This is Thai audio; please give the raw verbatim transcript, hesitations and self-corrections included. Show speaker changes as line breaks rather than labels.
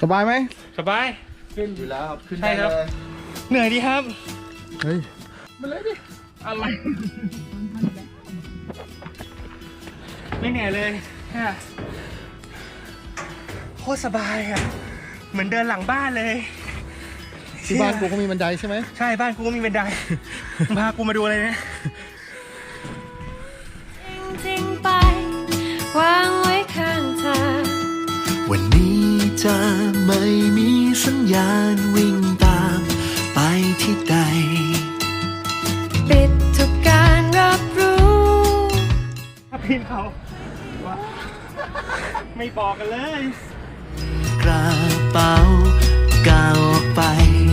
บายไหม
สบาย
ขึ้นอยู่แล้วครับขึ้น
ใช่
ได้
ครับ
เลย
เหนื่อยดีครับ
เฮ้ย
มาเลยดิ
อะไรไม่เหนื่อยเลยแค่โคตรสบายอ่ะเหมือนเดินหลังบ้านเลย
ที่บ้านกูก็มีบันไดใช่ไหม
ใช่บ้านกูก็มีบันได พากูมาดูอะไรเนี่ย
จริงๆไปวางไว้ข้างทาง
วันนี้จะไม่มีสัญญาณวิ่งตามไปที่ใด
ปิดทุกการรับรู้
ถ้าพินเขาว่าไม่บอกกันเลย
กระเป๋าก้าวออกไป